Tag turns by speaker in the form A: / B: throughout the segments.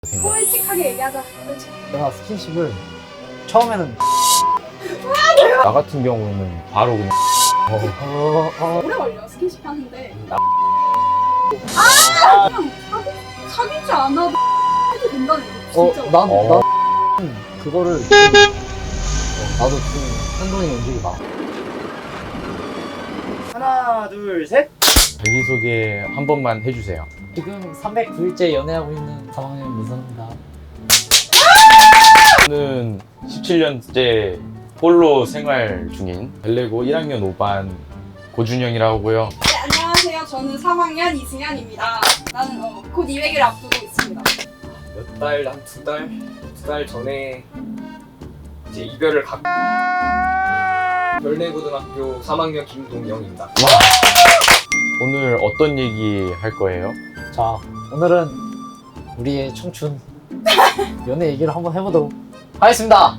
A: 솔직하게 얘기하자. 솔직히.
B: 내가 스킨십을 처음에는
C: 나 같은 경우는 바로 그냥
A: 오래 걸려 스킨십 하는데. 그냥 사귀지 않아도 해도 된다는 거 진짜.
B: 나도 그거를 나도 좀 혼돈이 움직이다.
D: 하나 둘 셋.
C: 자기소개 한 번만 해주세요.
B: 지금 309일째 연애하고 있는 3학년 민선입니다.
C: 저는 17년째 홀로 생활 중인 벨레고 1학년 5반 고준영이라고 하고요.
A: 네, 안녕하세요. 저는 3학년 이승현입니다. 나는 곧 200일 앞두고 있습니다.
D: 몇 달, 한 두 달 전에 이제 이별을 갖고 별내고등학교 3학년 김동영입니다.
C: 오늘 어떤 얘기 할 거예요?
B: 자, 오늘은 우리의 청춘 연애 얘기를 한번 해보도록 하겠습니다.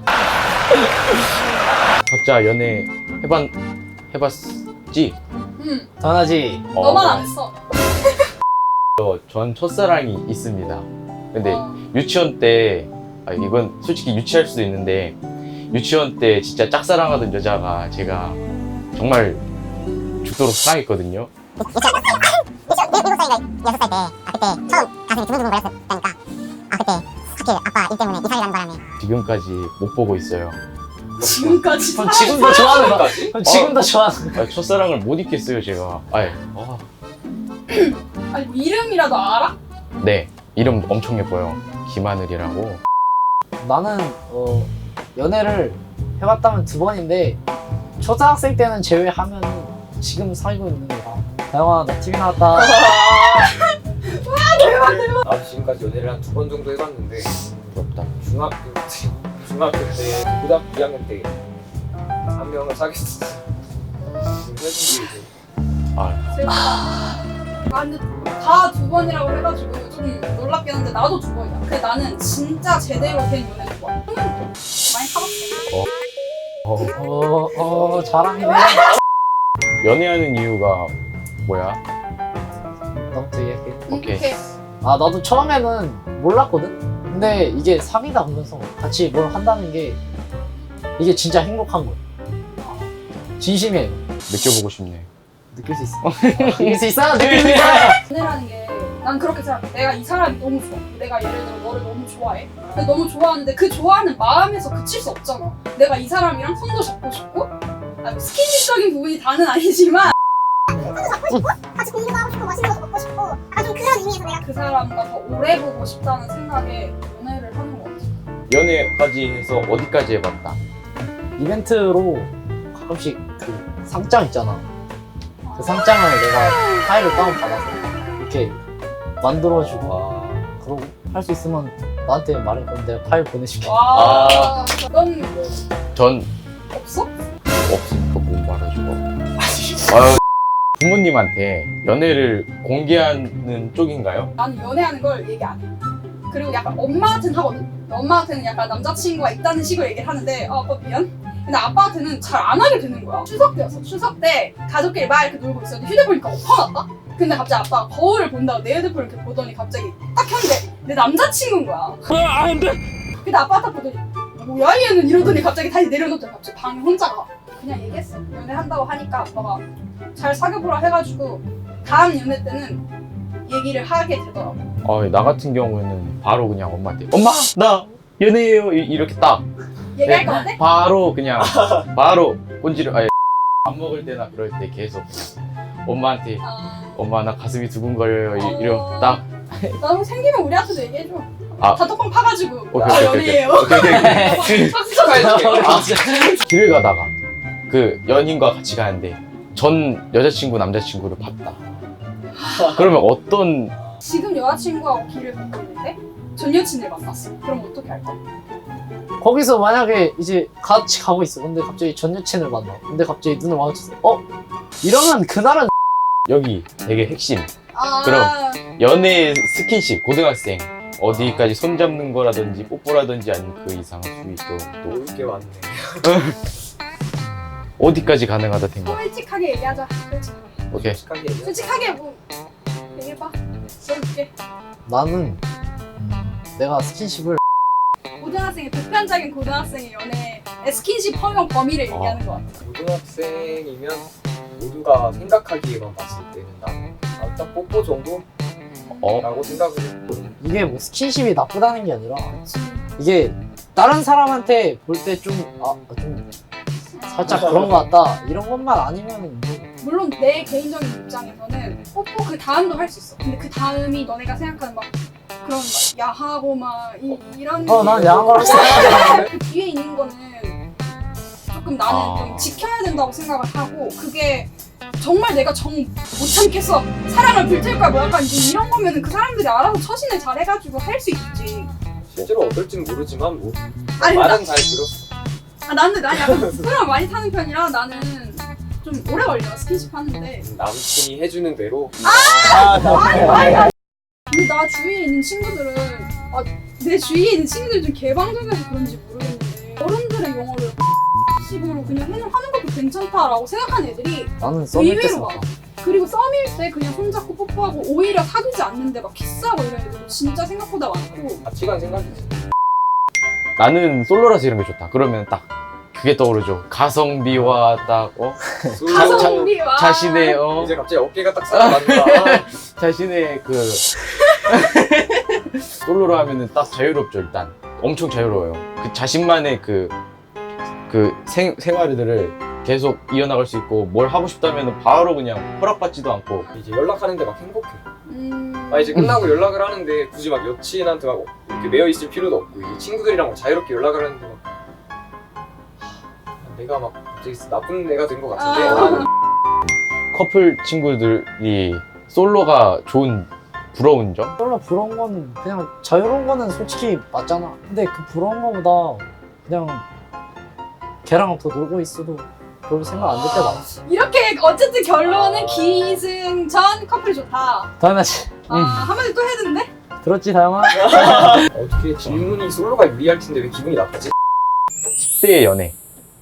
C: 각자 연애 해봤지?
B: 당연하지.
A: 너만 안 했어.
C: 전 첫사랑이 있습니다. 근데
A: 어.
C: 유치원 때 이건 솔직히 유치할 수도 있는데 유치원 때 진짜 짝사랑하던 여자가 제가 정말 죽도록 사랑했거든요.
E: 미국 살인가 6살 때 그때 처음 가슴이 두근두근 거렸었다니까 그때 하필 아빠 일 때문에 이사를 가는 바람에
C: 지금까지 못 보고 있어요.
A: 지금까지.
B: 그럼 지금도 좋아하는 거야. 그럼 지금도 좋아하는 거야.
C: 첫사랑을 못 잊겠어요 제가.
A: 아니 이름이라도 알아?
C: 네, 이름 엄청 예뻐요. 김하늘이라고.
B: 나는 연애를 해봤다면 2번인데 초등학생 때는 제외하면 지금 사귀고 있는 거야. 다영아, 나 TV 나왔다.
D: 나도 지금까지 연애를 한 2번 정도 해봤는데
C: 부럽다.
D: 중학교 때, 고등학교 2학년 때 한 명을 사귀었어. 지금 헤어진 게 이제
A: 근데 다 2번이라고 해가지고 좀 놀랍긴 한데 나도 2번이야. 근데 나는 진짜 제대로 된 연애는 좋아. 많이 타봤어.
B: 자랑이네.
C: 연애하는 이유가 뭐야?
B: 너부터 얘기할게.
C: 오케이.
B: 나도 처음에는 몰랐거든? 근데 이게 사귀다 보면서 같이 뭘 한다는 게 이게 진짜 행복한 거야. 진심이에요.
C: 느껴보고 싶네.
B: 느낄 수 있어. 느낄 수 있어. 느낄 수 있어.
A: 연애라는 게 난 그렇게 생각해. 내가 이 사람이 너무 좋아. 내가 예를 들어 너를 너무 좋아해. 근데 너무 좋아하는데 그 좋아하는 마음에서 그칠 수 없잖아. 내가 이 사람이랑 손도 잡고 싶고 스킨십적인 부분이 다는 아니지만
E: 같이 공부도 하고 싶고 맛있는 것도 먹고 싶고 좀 그런 의미에서 내가
A: 그 사람과 더 오래 보고 싶다는 생각에 연애를 하는 것 같아.
C: 연애까지 해서 어디까지 해봤다?
B: 이벤트로 가끔씩 그 상장 있잖아. 그 상장을 내가 파일을 다운받아서 이렇게 만들어주고 그러고 할 수 있으면 나한테 말해. 그럼 내가 파일 보내줄게.
A: 와, 넌
C: 전
A: 없어?
C: 없으니까 못 말해주고. 부모님한테 연애를 공개하는 쪽인가요?
A: 나는 연애하는 걸 얘기 안 해. 그리고 약간 엄마한테는 하거든. 엄마한테는 약간 남자친구가 있다는 식으로 얘기를 하는데 아빠 미안. 근데 아빠한테는 잘 안 하게 되는 거야. 추석 때였어. 추석 때 가족끼리 막 이렇게 놀고 있었는데 휴대폰이니까 엎어놨다? 근데 갑자기 아빠가 거울을 본다고 내 휴대폰을 이렇게 보더니 갑자기 딱 켰는데 내 남자친구인 거야. 안 돼! 근데 아빠 딱 보더니 뭐야 얘는 이러더니 갑자기 다시 내려놓더니 갑자기 방에 혼자 가. 그냥 얘기했어. 연애한다고 하니까 아빠가 잘 사귀어보라 해가지고 다음 연애 때는 얘기를 하게 되더라고.
C: 나 같은 경우에는 바로 그냥 엄마한테 엄마! 나 연애해요! 이렇게 딱
A: 얘기할 것 같아?
C: 바로 그냥 바로 꼰지를 밥 먹을 때나 그럴 때 계속 그냥 엄마한테 엄마 나 가슴이 두근거려요 이러면 딱
A: 나도 생기면 우리한테도 얘기해줘.
C: 아.
A: 단톡방 파가지고
C: 오케이.
A: 연애해요.
C: 오케이.
D: 축하해줄게.
C: 길을 가다가 그 연인과 같이 가는데 전 여자친구 남자친구를 봤다. 그러면 어떤
A: 지금 여자친구하고 길을 걷고 있는데 전 여친을 만났어. 그럼 어떻게 할까?
B: 거기서 만약에 이제 같이 가고 있어. 근데 갑자기 전 여친을 만나. 근데 갑자기 눈을 마주쳤어. 이러면 그날은
C: 여기 되게 핵심
A: 아,
C: 그럼. 연애 스킨십 고등학생 어디까지 손 잡는 거라든지 뽀뽀라든지 아니면 그 이상 수위도 또
D: 놀 게 많네.
C: 어디까지 가능하다 생각.
A: 솔직하게 얘기하자. 솔직하게.
C: 오케이.
D: 솔직하게 얘기해.
A: 솔직하게 뭐 얘기해봐. 들어줄게.
B: 나는 내가 스킨십을
A: 고등학생의 보편적인 고등학생의 연애 스킨십 허용 범위를 얘기하는 것 같아.
D: 고등학생이면 모두가 생각하기에만 봤을 때는 딱 뽀뽀 정도라고 생각을 해.
B: 이게 뭐 스킨십이 나쁘다는 게 아니라 이게 다른 사람한테 볼 때 좀 살짝 그런 것 같다 이런 것만 아니면
A: 물론 내 개인적인 입장에서는 뽀뽀 그 다음도 할 수 있어. 근데 그 다음이 너네가 생각하는 막 그런 막 야하고 막 이런
B: 난 야한 거라고 생각해.
A: 그 뒤에 있는 거는 조금 나는 좀 지켜야 된다고 생각을 하고 그게 정말 내가 못 참겠어 사랑을 불태울 거야 뭐 약간 이제 이런 거면은 그 사람들이 알아서 처신을 잘해가지고 할 수 있지.
D: 실제로 어떨지는 모르지만 뭐
A: 아니
D: 말은 잘 들었어.
A: 난 약간 사람 많이 타는 편이라 나는 좀 오래 걸려 스킨십 하는데.
D: 남친이 해주는 대로.
A: 근데 나 주위에 있는 친구들은 내 주위에 있는 친구들 좀 개방적이어서 그런지 모르겠는데 어른들의 용어를 식으로 그냥 하는 것도 괜찮다라고 생각하는 애들이
B: 나는 썸일 때
A: 의외로
B: 써.
A: 많아. 그리고 썸일 때 그냥 손잡고 뽀뽀하고 오히려 사귀지 않는데 막 키스하고 이런 애들도 진짜 생각보다 많고.
D: 가치관 생각이지.
C: 나는 솔로라서 이런 게 좋다. 그러면 딱 그게 떠오르죠. 가성비와 딱
A: 가성비와
C: 자신의
D: 이제 갑자기 어깨가 딱 살아난다.
C: 자신의 그 솔로로 하면은 딱 자유롭죠. 일단 엄청 자유로워요. 그 자신만의 그 생활들을 계속 이어나갈 수 있고 뭘 하고 싶다면 바로 그냥 허락받지도 않고.
D: 이제 연락하는데 막 행복해. 이제 끝나고 연락을 하는데 굳이 막 여친한테 막 이렇게 매여 있을 필요도 없고 이제 친구들이랑 막 자유롭게 연락을 하는데 막 내가 막 갑자기 나쁜 애가 된 것 같은데. 나는
C: 커플 친구들이 솔로가 좋은 부러운 점?
B: 솔로 부러운 건 그냥 자유로운 거는 솔직히 맞잖아. 근데 그 부러운 거보다 그냥 걔랑 더 놀고 있어도 별 생각 안 들 때 많아.
A: 이렇게 어쨌든 결론은 기승전 커플이 좋다.
B: 당연하지.
A: 한마디 또 해야 되는데?
B: 들었지 다영아?
D: 어떻게 질문이 솔로가 유리할 텐데 왜 기분이 나쁘지?
C: 10대의 연애.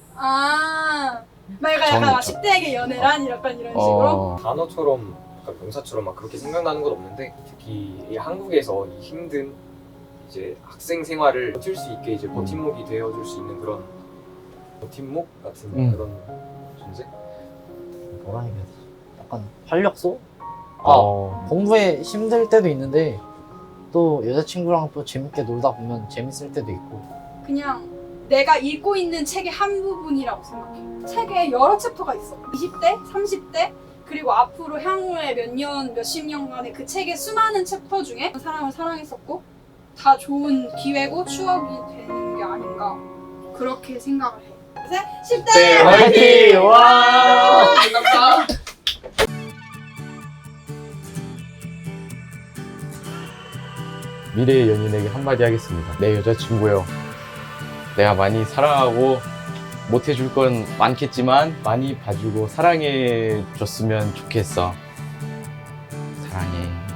A: 막 약간 막 10대에게 연애란 이런 식으로?
D: 단어처럼 약간 명사처럼 막 그렇게 생각나는 건 없는데 특히 이 한국에서 이 힘든 이제 학생 생활을 버틸 수 있게 이제 버팀목이 되어줄 수 있는 그런 버팀목 같은 그런 존재?
B: 뭐라 해야 되지? 약간 활력소?
C: 어.
B: 공부에 힘들 때도 있는데 또 여자친구랑 또 재밌게 놀다 보면 재밌을 때도 있고.
A: 그냥 내가 읽고 있는 책의 한 부분이라고 생각해. 책에 여러 챕터가 있어. 20대, 30대, 그리고 앞으로 향후에 몇십 년간의 그 책의 수많은 챕터 중에 사람을 사랑했었고 다 좋은 기회고 추억이 되는 게 아닌가 그렇게 생각을 해. 그래서 10대
C: 네, 화이팅! 와!
D: 반갑다.
C: 미래의 연인에게 한마디 하겠습니다. 내 여자친구요. 내가 많이 사랑하고 못해줄 건 많겠지만 많이 봐주고 사랑해줬으면 좋겠어. 사랑해.